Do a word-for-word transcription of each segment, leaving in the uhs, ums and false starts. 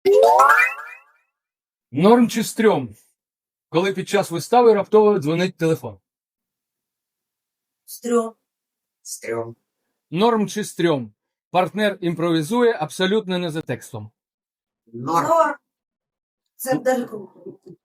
Норм чи стрьом, коли під час вистави раптово дзвонить телефон? Стрьом. Стрьом. Норм чи стрьом, партнер імпровізує абсолютно не за текстом? Норм. Норм. Це даже круто.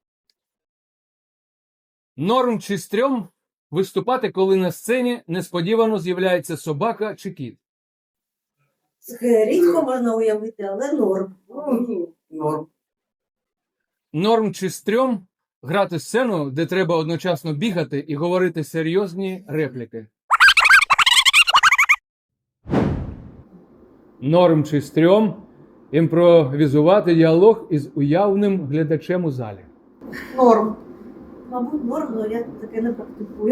Норм чи стрьом виступати, коли на сцені несподівано з'являється собака чи кіт? Це рідко можна уявити, але норм. Норм. Норм чи стрьом грати сцену, де треба одночасно бігати і говорити серйозні репліки? Норм чи стрьом імпровізувати діалог із уявним глядачем у залі? Норм. Мабуть, норм, але я таке не практикую.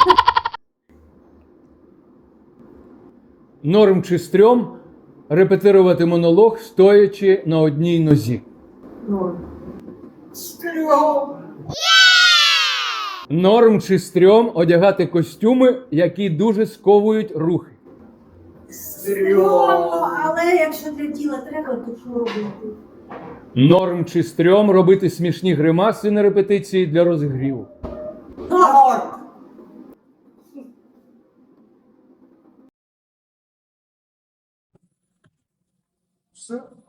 Норм чи стрьом репетирувати монолог, стоячи на одній нозі? Норм. Стрьом. Норм чи стрьом одягати костюми, які дуже сковують рухи? Стрьом. Але якщо для тіла треба, то що робити? Норм чи стрьом робити смішні гримаси на репетиції для розігріву? Норм. Все.